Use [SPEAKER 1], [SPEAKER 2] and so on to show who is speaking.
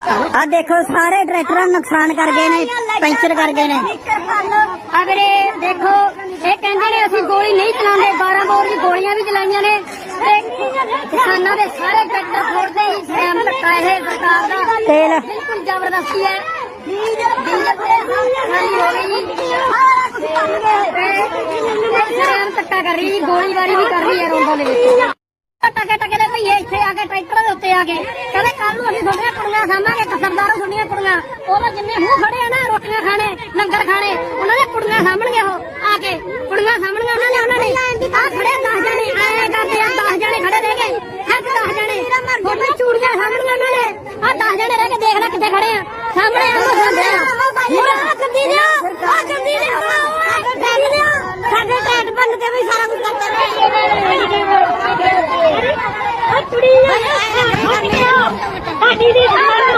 [SPEAKER 1] आ देखो सारे ट्रैक्टर नुकसान कर गए ने, पंचर कर गए ने।
[SPEAKER 2] अगले देखो ये कहते ने असि गोली नहीं चलाते, 12 बोर की गोलियां भी चलाइया ने। किसानों के सारे ट्रैक्टर फोड़ते ही सैम धक्का है सरकार का,
[SPEAKER 1] तेल
[SPEAKER 2] बिल्कुल जबरदस्ती है। सैम धक्का कर रही, गोलीबारी भी कर रही है रोडों के टके टके दे भईए इत्थे आके ट्रैक्टर दे उत्ते आके कहंदे कल नूं असीं थोड़ियां कुड़ियां खावांगे, कसरदारों थोड़ियां कुड़ियां ओह जिन्ने मूंह खड़े आ ना रोटियां खाने लंगर खाने उन्हां दे कुड़ियां सामणगे ओह आके कुड़ियां सामणगे उन्हां ने आ खड़े 10 जने ऐ करदे आ 10 जने खड़े रह गए हक 10 जने फोटो चूड़ियां सामणगे उन्हां ने आ 10 जने रह के देख ले कित्थे खड़े आ सामणे आ खांदे आ गंदी दिया आ गंदी दिया साडे टैट बंद के भी सारा कुछ करते ने कुड़ी